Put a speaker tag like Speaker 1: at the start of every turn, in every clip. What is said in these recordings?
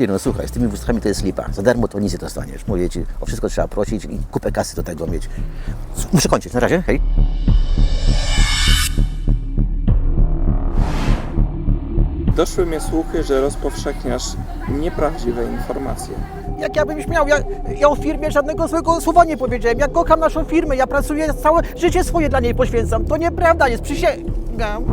Speaker 1: Ty no słuchaj, z tymi wózkami to jest lipa. Za darmo to nic nie dostaniesz. Mówię ci, o wszystko trzeba prosić i kupę kasy do tego mieć. Muszę kończyć, na razie, hej.
Speaker 2: Doszły mnie słuchy, że rozpowszechniasz nieprawdziwe informacje.
Speaker 1: Jak ja bym śmiał, ja o firmie żadnego złego słowa nie powiedziałem. Ja kocham naszą firmę, ja pracuję, całe życie swoje dla niej poświęcam. To nieprawda jest, przysięgam.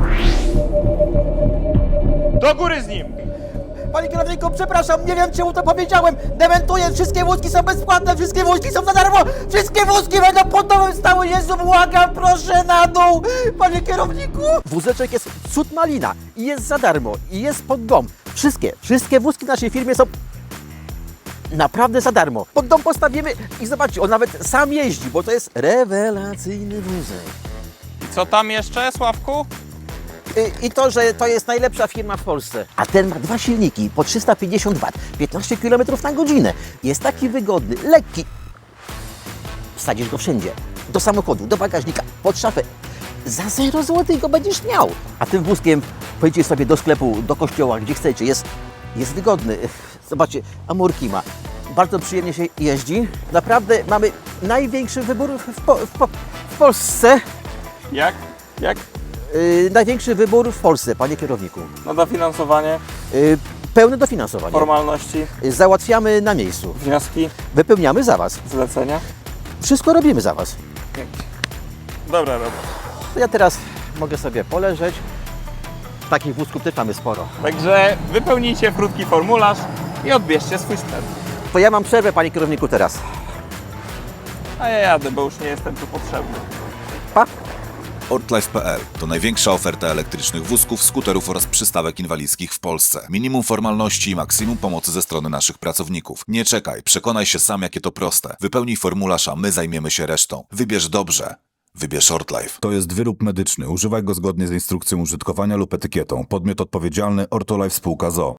Speaker 3: Do góry z nim!
Speaker 1: Panie kierowniku, przepraszam, nie wiem czemu to powiedziałem. Dementuję, wszystkie wózki są bezpłatne, wszystkie wózki są za darmo. Wszystkie wózki będą pod domem stały. Jezu, błagam, proszę na dół. Panie kierowniku. Wózeczek jest cud malina i jest za darmo i jest pod dom. Wszystkie wózki w naszej firmie są naprawdę za darmo. Pod dom postawimy i zobaczcie, on nawet sam jeździ, bo to jest rewelacyjny wózek.
Speaker 3: I co tam jeszcze, Sławku?
Speaker 1: I to, że to jest najlepsza firma w Polsce. A ten ma 2 silniki po 350 W, 15 km na godzinę. Jest taki wygodny, lekki. Wsadzisz go wszędzie. Do samochodu, do bagażnika, pod szafę. Za 0 zł go będziesz miał. A tym wózkiem pojedziecie sobie do sklepu, do kościoła, gdzie chcecie. Jest wygodny. Zobaczcie, amorki ma. Bardzo przyjemnie się jeździ. Naprawdę mamy największy wybór w Polsce.
Speaker 3: Jak?
Speaker 1: Największy wybór w Polsce, panie kierowniku.
Speaker 3: No dofinansowanie,
Speaker 1: Pełne dofinansowanie.
Speaker 3: formalności,
Speaker 1: Załatwiamy na miejscu.
Speaker 3: wnioski,
Speaker 1: Wypełniamy za Was.
Speaker 3: zlecenia.
Speaker 1: Wszystko robimy za Was.
Speaker 3: Dobra robota.
Speaker 1: Ja teraz mogę sobie poleżeć. Takich wózków też mamy sporo.
Speaker 3: Także wypełnijcie krótki formularz i odbierzcie swój sprzęt.
Speaker 1: To ja mam przerwę, panie kierowniku, teraz.
Speaker 3: A ja jadę, bo już nie jestem tu potrzebny.
Speaker 1: Pa!
Speaker 4: Ortlife.pl to największa oferta elektrycznych wózków, skuterów oraz przystawek inwalidzkich w Polsce. Minimum formalności i maksimum pomocy ze strony naszych pracowników. Nie czekaj, przekonaj się sam, jakie to proste. Wypełnij formularz, a my zajmiemy się resztą. Wybierz dobrze. Wybierz Ortlife. To jest wyrób medyczny. Używaj go zgodnie z instrukcją użytkowania lub etykietą. Podmiot odpowiedzialny Ortolife Spółka ZOO.